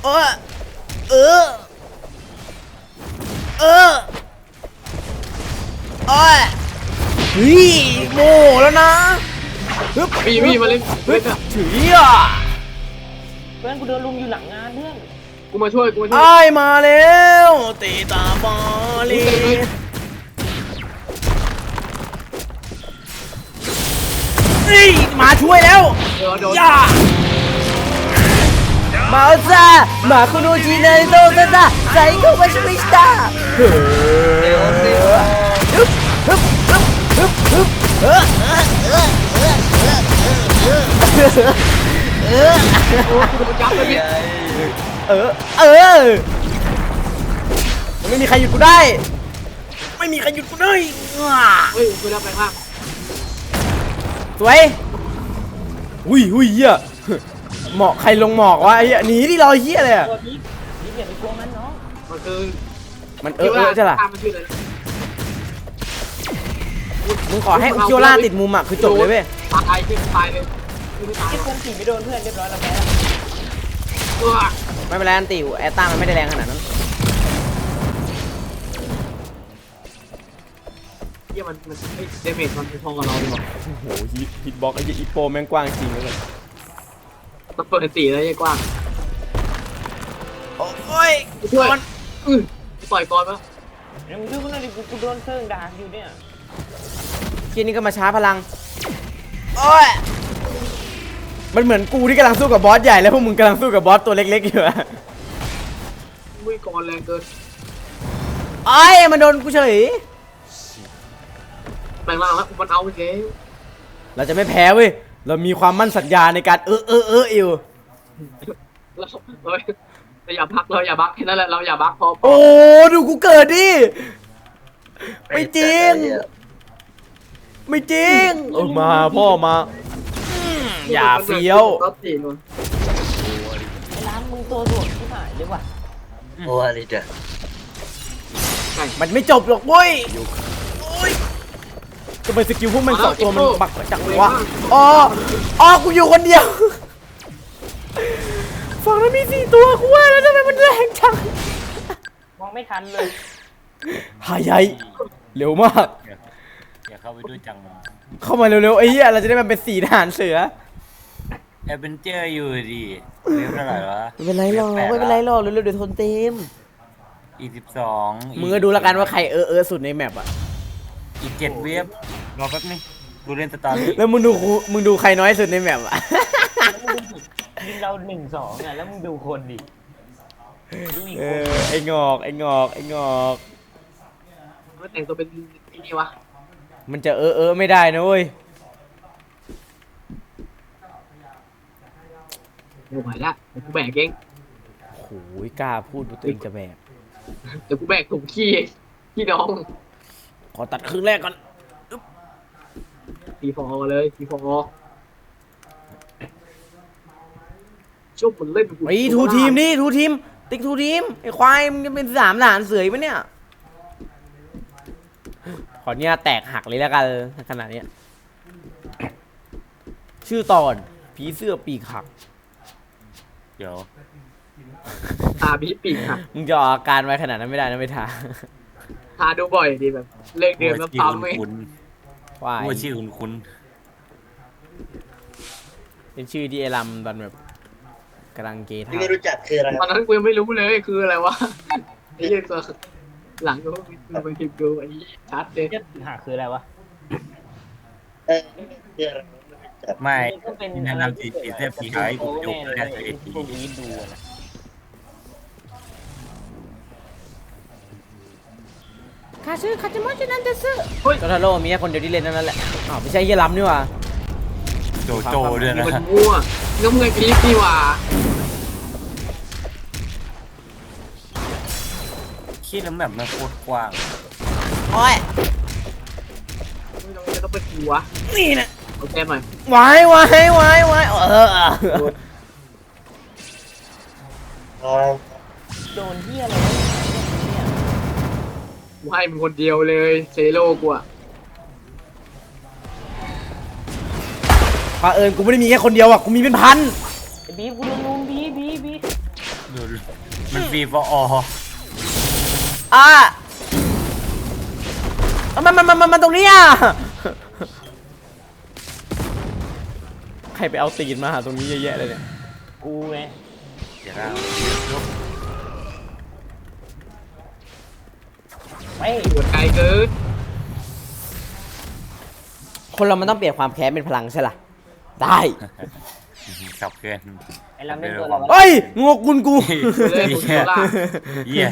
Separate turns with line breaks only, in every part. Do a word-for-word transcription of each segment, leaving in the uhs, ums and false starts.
เออเออเออโอ้ยเฮ้ยโม่แล้วนะฮึบ
พี่พี่มาเล่นเล่นอ่ะ
ถืออ่ะ
เพื่อนกูเดินลุมอยู่หลังงานเพื่อน
กูมาช่วยกูมาช่วย
ไอ้มาแล้วตีตาบอลีนี่มาช่วยแล้ว
เดี๋ยวเดี๋ยว
ย่ามาซามาคุโนจิเนโตซาซาไซโคมาชิมิสตาเฮ้ยฮึบฮึบฮึบฮึบเออเออ
โอ้กูโดนจับเลยพี่
เออเออไม่มีใครหยุดกูได้ไม่มีใครหยุดกูได้
เฮ้ยกูรับแรงมาก
สวยอุ้ยอุ้ยเหี้ยหมอกใครลงหมอกวะไอ้เหี้ยหนีดิรอเหี้ยเลยอะ
ตัวนี้นี่อย่าไปกลัวมันน้อง
มันคือ
มันเออเออใช่ป่ะ
ตามมันชื่ออะไร
มึงขอให้อุคิโอล่าติดมุมอะคือจบเลยเว้ย
ตายพี่ตายเลยไม่ตาย
ไอ้เพื่อนขี่ไม่โดนเพื่อนเรียบร้อยแล้วแพ้
ตัว
ไม่เป็นไรอันติวแอตตามันไม่ได้แรงขนาดนั้น
เยี่ยมันมันเดเมจมันพอกับเราดีกว่า
โอ้โหฮิตฮิตบ็อกไอ้อีโปแม่งกว้างจริงเลย
มันเปิดตีแล้วยังกว้าง
โอ้ย
ช่วยอือปล่อยก่อนปะ
ยังดูมันเลยกูกูโดนเซิร์งด่าอยู่เนี่ย
ทีนี้ก็มาช้าพลังโอ้ยมันเหมือนกูที่กำลังสู้กับบอสใหญ่แล้วพวกมึงกำลังสู้กับบอสตัวเล็กๆอยู่อะ
วิ่งก่อนแรงเกิน
ไอ้ยมันโดนกูเฉย
แรงล่างแล้วมันเอาไปเจ๊
เราจะไม่แพ้เว้ยเรามีความมั่นสัญญาในการเออเออเอออยู่
เราเราเราอย่าพักเราอย่าบักแค่นั้นแหละเราอย่าบักพอ
โอ้ดูกูเกิดดิไม่จริงไม่จริงเออมาพ่อมาอย่าเฟี้ยว
รถตีนวะ
ไอ้ร้านมึงตัวโดดที่หายเลยว่ะ
โอ้อะไรเด้อ
มันไม่จบหรอกเว้ยโอ้ยทำไมสกิลพวกมันสองตัวมันบักจังวะอ๋ออ๋อกูอยู่คนเดียวฝั่งนั้นมีสี่ตัวกูว่าแล้วทำไมมันแรงจัง
มองไม่ทันเลย
หายใหญ่เร็วมาก
อย่าเข้าไปด้วยจังมัน
เข้ามาเร็วๆไอ้เหี้ยเราจะได้มันเป็นสีทหารเสือ
แอดเวนเจอร์อยู่ดิเรียบเท่าไหร่วะ
ไม่เป็นไรหรอกไม่เป็นไรหรอกเร็วๆเดี๋ยวทนเต็ม
อีกสิบสอง
มึงก็ดูแล้วกันว่าใครเออเออสุดในแมปอะ
อีกเจ็ดเว็บรอแป๊บนึงดูเล่นสตอรี่
แล้วมึงดูกูมึงดูใครน้อยสุดในแมปอะ
ยิงเราหนึ่งสองอ่ะแล้วมึงดูคนดิดูอีก
เอ
คน
อไอ้งอกไอ้งอกไอ้งอก
มันแต่งตัวเป็นไอ้นี่วะ
มันจะเออเออไม่ได้นะเว้ย
ไม่ไหวละเดี๋ยวกูแบกเอง
โอ้ยกล้าพูดว่าตัวเองจะแบก
เดี๋ยวกูแบกถุงขี้ขี้น้อง
ขอตัดครึ่งแรกก่อน
ทีฟอเลยทีฟอชุบมันเล่น
ไอ้ทูทีมนี่ทูทีมติ๊กทูทีมไอ้ควายมึงจะเป็นสามทหารเสือปะเนี่ยขอเนี่ยแตกหักเลยแล้วกันขนาดเนี้ยชื่อตอนผีเสื้อปีกหัก
เดี๋ยว
ตาบีปีกค่ะ
มึงจะออกอาการไว้ขนาดนั้นไม่ได้นะไม่ทา
ทาดูบ่อยดีแบบเลิกเดิมแล้ว
ชื่อ
ปั๊ม
คุณ
ไม่
คุณ
ควาย
ว่าชื่อคุณคุณ
เป็นชื่อที่ไอ้ลำตอนแบบกำลังเกย์ท่า
ไม่รู้จักคืออะไร
ตอนนั้นกูยังไม่รู้เลยคืออะไรวะไอ้เหี้ยตัวหลังกูกูไปคลิปดูไอ้ชัดเลย
เจ็ดหาคืออะไรวะ
เออคืออะไรไม่
ก็เป็น
แนะนำสีสีเทพสีหายกูยกแค่ตัวเอง
พวกนี้ดูนะ
คาชื่อคาจิโมะชินันเตสึโจทาโร่มีแค่คนเดียวที่เล่นนั่นแหละอ้าวไม่ใช่เฮียลำนี่หว่า
โจโจด้วยนะ
มันมั่วก็มึงไอ้พีคนี่หว่า
คิดแล้วแบบมันโคตรกว้าง
โอ้ย
ไม่ต้องจะต้องเป็นกูวะ
นี่นะ
โอเคหน่อย
วายวายวายวายเออ
โดนเฮียอะไรเนี่ย
กูให้มึงคนเดียวเลยเซโร่กูอะ
พาเอิญกูไม่ได้มีแค่คนเดียวอ่ะกูมีเป็นพัน
ไอ้บีกูโดนลุมบีบีบี
ดูมันฟรีฟอร์ออ
อ่ะมันมันมันมันมันตรงนี้อ่ะใครไปเอาตีนมาหาตรงนี้เยอะแยะเลยเนี่ย
กูไง
เดี๋ยวเรายก
ไม่
ปวดไกลเกิน
คนเรามันต้องเปลี่ยนความแค้นเป็นพลังใช่ล่ะได้
ขับเกิน
ไอ้เราเล่นตัวเราวะ
เฮ้ยงกกุนกู
เลยผมโซล่า
เยี่ย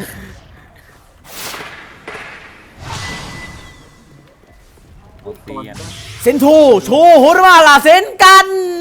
ปุ๊บก่อน
เซนทูโชว์โหรว่าลาเซนกัน